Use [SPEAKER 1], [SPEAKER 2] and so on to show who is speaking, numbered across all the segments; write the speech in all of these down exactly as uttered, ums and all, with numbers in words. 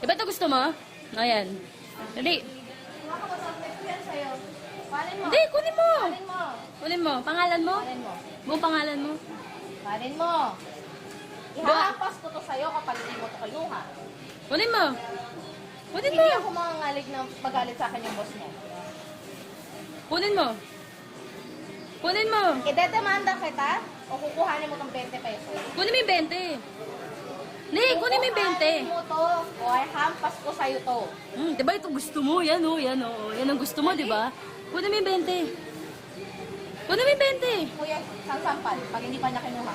[SPEAKER 1] Iba ito gusto mo? Ayan. Dali.
[SPEAKER 2] Makakapag-submit ko yan sa'yo. Kuhanin mo.
[SPEAKER 1] Hindi, kunin mo.
[SPEAKER 2] Kuhanin mo.
[SPEAKER 1] Kunin mo. Pangalan mo?
[SPEAKER 2] Kuhanin mo.
[SPEAKER 1] Buong pangalan mo.
[SPEAKER 2] Kuhanin mo. Ihahampas ko to sa'yo kapag hindi mo to kinuha.
[SPEAKER 1] Kunin mo. Kunin mo.
[SPEAKER 2] Hindi ako mangangalig na magalit sa akin yung boss mo.
[SPEAKER 1] Kunin mo. Kunin mo.
[SPEAKER 2] Idedemanda kita o kukuhanin mo tong twenty pesos.
[SPEAKER 1] Kunin mo yung twenty. Hindi, kunin mo yung twenty.
[SPEAKER 2] Kukuhanin mo to o ay hampas ko sa'yo to.
[SPEAKER 1] Hmm, diba ito gusto mo? Yan o, yan o. Yan ang gusto mo, diba? Kunin mo yung twenty. Kunin mo yung twenty.
[SPEAKER 2] Kuya, sasampal pag hindi pa niya kinuha.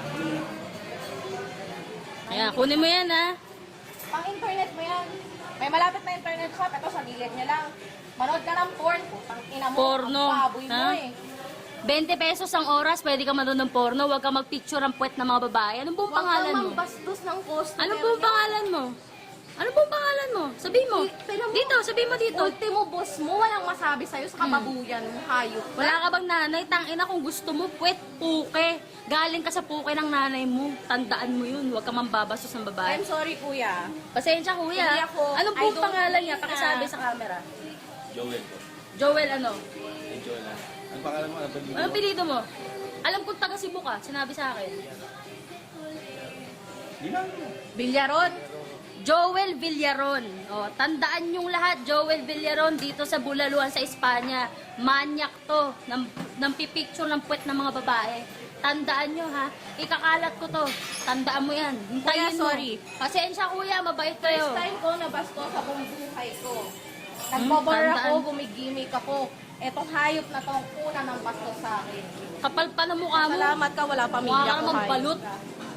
[SPEAKER 1] Ayan, kunin mo yan ha.
[SPEAKER 2] Pang internet mo yan. May malapit na internet shop. Ito sa gilid niya lang. Manood ka ng porn. Putang ina mo.
[SPEAKER 1] Porno,
[SPEAKER 2] Ang baboy mo
[SPEAKER 1] ha?
[SPEAKER 2] eh.
[SPEAKER 1] twenty pesos ang oras, pwede ka manood ng porno. Huwag ka magpicture ang puwet ng mga babae. Anong buong pangalan
[SPEAKER 2] Huwag
[SPEAKER 1] mo?
[SPEAKER 2] kang mambastos ng customer.
[SPEAKER 1] Anong buong pangalan mo? Anong buong pangalan mo? Sabihin mo.
[SPEAKER 2] Tignan mo.
[SPEAKER 1] Dito, sabihin mo dito.
[SPEAKER 2] Ultimo boss mo, walang masabi sa'yo sa kababuyan mo, hayop.
[SPEAKER 1] Wala ka bang nanay? Tangina kung gusto mo, puwet, puke. Galing ka sa puke ng nanay mo. Tandaan mo yun. Huwag ka mambabastos ng babae.
[SPEAKER 2] I'm sorry, kuya.
[SPEAKER 1] Pasensya kuya.
[SPEAKER 2] Hindi ako.
[SPEAKER 1] Anong
[SPEAKER 2] I
[SPEAKER 1] buong
[SPEAKER 2] don't
[SPEAKER 1] pangalan niya?
[SPEAKER 2] think
[SPEAKER 1] Pakisabi
[SPEAKER 2] na-
[SPEAKER 1] sa camera.
[SPEAKER 3] Joel po.
[SPEAKER 1] Joel ano?
[SPEAKER 3] Hey, Joel ah. Ang pangalan mo? Ano ba
[SPEAKER 1] Anong pinito mo? Alam kong taga Cebu ka. Sinabi sa akin.
[SPEAKER 3] Di lang.
[SPEAKER 2] Bilyaron.
[SPEAKER 1] Joel Villaron. O, tandaan yung lahat, Joel Villaron dito sa Bulaluan sa Espanya. Manyak to. Nam, nampipicture ng puwet ng mga babae. Tandaan nyo ha. Ikakalat ko to. Tandaan mo yan. Hintayin
[SPEAKER 2] Kuya,
[SPEAKER 1] mo.
[SPEAKER 2] sorry.
[SPEAKER 1] Pasensya kuya, mabait
[SPEAKER 2] First
[SPEAKER 1] kayo.
[SPEAKER 2] time ko nabasto sa buong buhay ko. Nagbobar
[SPEAKER 1] Hmm,
[SPEAKER 2] ako,
[SPEAKER 1] tandaan.
[SPEAKER 2] gumigimik ako. Etong hayop na to, ang una ng bastos sa akin.
[SPEAKER 1] Kapal pa na mukha mo.
[SPEAKER 2] Salamat ka, wala
[SPEAKER 1] Mukha
[SPEAKER 2] pamilya
[SPEAKER 1] ka
[SPEAKER 2] ko.
[SPEAKER 1] namang
[SPEAKER 2] hayop
[SPEAKER 1] balot.
[SPEAKER 2] ka.